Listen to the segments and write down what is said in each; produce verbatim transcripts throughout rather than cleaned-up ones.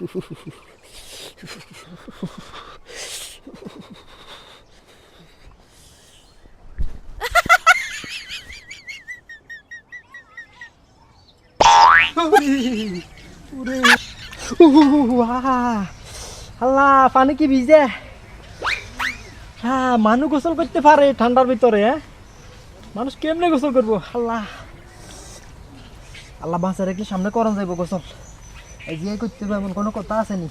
আল্লাহ পানি কি ভিজে। হ্যাঁ মানুষ গোসল করতে পারে ঠান্ডার ভিতরে। হ্যাঁ মানুষ কেমনে গোসল করবো। আল্লাহ আল্লাহ বাঁচা রেখে সামনে করান যাইব গোসল। এই যে করতে হবে এমন কোনো কথা আসেনি।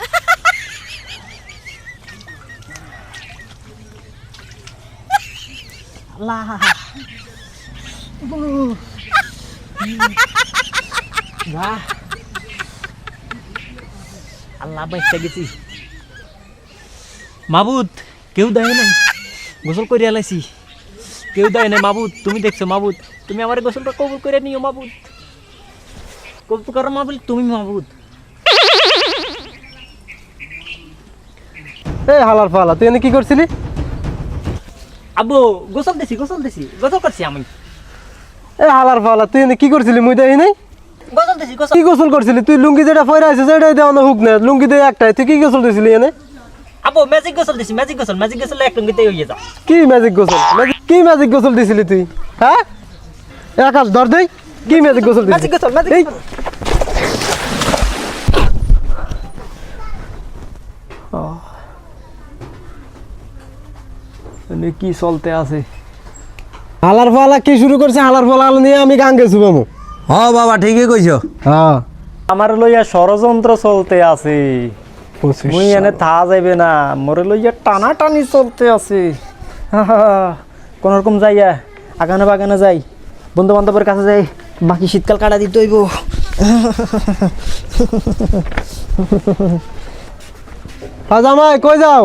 আল্লাহ আল্লাহ বাঁচতে গেছি। মাবুদ কেউ দেয় নাই, গোসল করিয়া লাইছি, কেউ দেয় নাই। মাবুদ তুমি দেখছো, মাবুদ তুমি আমার গোসলটা কবুল করে নিও। মাবুদ কবুল করো মাবুদ, তুমি মাবুদ। এই হালার ফালা, তুই এনে কি করছিলি? আব্বু গোসল দিছি, গোসল দিছি, গোসল করছি আমি। এই হালার ফালা, তুই এনে কি করছিলি? মুই দেই নাই। গোসল দিছি, গোসল। কি গোসল করছিলি তুই? লুঙ্গি যেটা পরে আছিস সেটাই দেওয়া না, হুক না, লুঙ্গি দিয়ে একটাই। তুই কি গোসল দিছিলি এনে? আব্বু ম্যাজিক গোসল দিছি, ম্যাজিক গোসল, ম্যাজিক গোসল এক লুঙ্গিতেই হয়ে যা। কি ম্যাজিক গোসল? কি ম্যাজিক গোসল দিছিলি তুই? হ্যাঁ আকাশ ধর দেই, কি ম্যাজিক গোসল দিছিলি? ম্যাজিক গোসল, ম্যাজিক গোসল। এনে কি চলতে আছে? হালার ফালা কি শুরু করছে? হালার ফালা নিয়ে আমি গান গেছি বামু। হ্যাঁ বাবা ঠিকই কইছো। হ্যাঁ আমার লইয়া ষড়যন্ত্র চলতে আছে। মুই এনে থা যাইবে না, মোরে লইয়া টানা টানি চলতে আছে। কোন রকম যাইয়া আগানে বাগানে যাই, বন্ধু বান্ধবের কাছে যাই, বাকি শীতকাল কাটা দিতে হইব। জামাই কই যাও?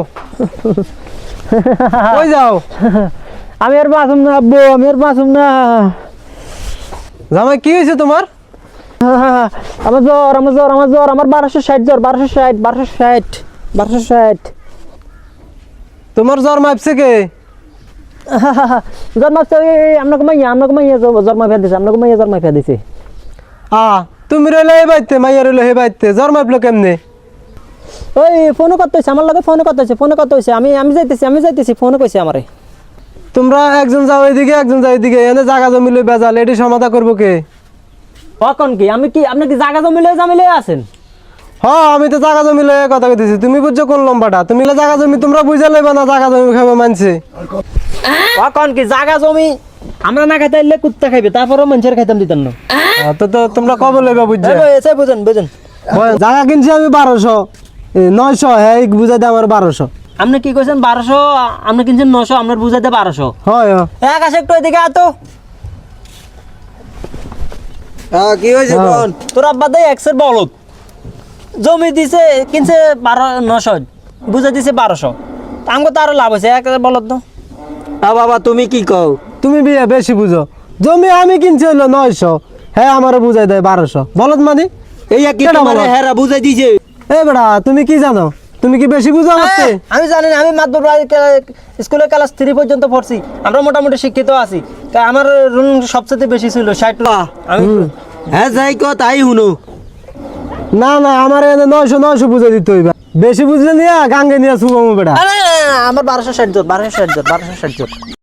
কই যাও? আমি আর বাঁচুম না আব্বু, আমি আর বাঁচুম না। জামাই কি হয়েছে তোমার? আমার জ্বর, আমার জ্বর, আমার জ্বর, আমার বারোশো ষাট জ্বর, বারোশো ষাট, বারোশো ষাট, বারোশো ষাট। তোমার জ্বর মাপছে কে? জ্বর মাপছে আপনাকে মাইয়া, আপনাকে মাইয়া জ্বর মাফিয়া দিছে, আপনাকে মাইয়া জ্বর মাফিয়া দিছে। আ তুমি রইলে হে বাইতে, মাইয়া রইলে হে বাইতে, জ্বর মাপলো কেমনে? ওই ফোনও করতে হয়েছে, আমার লগে ফোনও করতে হয়েছে, ফোনও করতে হয়েছে। আমি আমি যাইতেছি, আমি যাইতেছি, ফোনও কইছে আমারে। তোমরা একজন যাও এদিকে, একজন যাও এদিকে, এনে জায়গা জমি লই বেজাল, এটি সমাধা করবো কে? কখন কি আমি কি আপনি কি জায়গা জমি লয়ে জামি লয়ে আছেন? হ্যাঁ আমি তো জায়গা জমি লয়ে কথা কইতেছি, তুমি বুঝছো কোন লম্বাটা? তুমি জায়গা জমি তোমরা বুঝা লইবা না, জায়গা জমি খাবে মানছে। কখন কি জায়গা জমি আমরা না খাইতে আইলে কুত্তা খাইবে, তারপরেও মানুষের খাইতাম দিতাম না। তো তো তোমরা কবে লইবা বুঝছো? এসে বুঝেন বুঝেন। জায়গা কিনছি আমি বারোশো, নয়শো, হ্যাঁ বুঝাই দে আমার বারোশো। আপনি কি কইছেন বারোশো, আপনি কিনছেন নশো, আপনার বুঝাইতে বারোশো। হয় এক আসে একটু এদিকে আতো। হ্যাঁ কি হয়েছে কোন? তোর আব্বা দেয় একশের বলদ জমি দিছে, কিনছে বারো নশো, বুঝাই দিছে বারোশো। আমাকে তো আরো লাভ হয়েছে, এক বলদ তো। হ্যাঁ বাবা তুমি কি কও? তুমি বিয়ে বেশি বুঝো। জমি আমি কিনছি হইলো নয়শো, হ্যাঁ আমারও বুঝাই দেয় বারোশো। বলদ মানে এই কি তোমারে হেরা বুঝাই দিছে? এ বেড়া তুমি কি জানো? তুমি কি বেশি বুঝো আমাকে? আমি জানি না, আমি মাতবর স্কুলে ক্লাস থ্রি পর্যন্ত পড়ছি, আমরা মোটামুটি শিক্ষিত আছি। তা আমার রুম সবচেয়ে বেশি ছিল ষাট। আমি হ্যাঁ যাই কো তাই শুনো। না না আমার এনে নয়শো নয়শো বুঝাই দিতে হইবা, বেশি বুঝলে নিয়ে গাঙ্গে নিয়ে শুভ বেড়া। আমার বারোশো ষাট জন, বারোশো ষাট জন, বারোশো ষাট জন।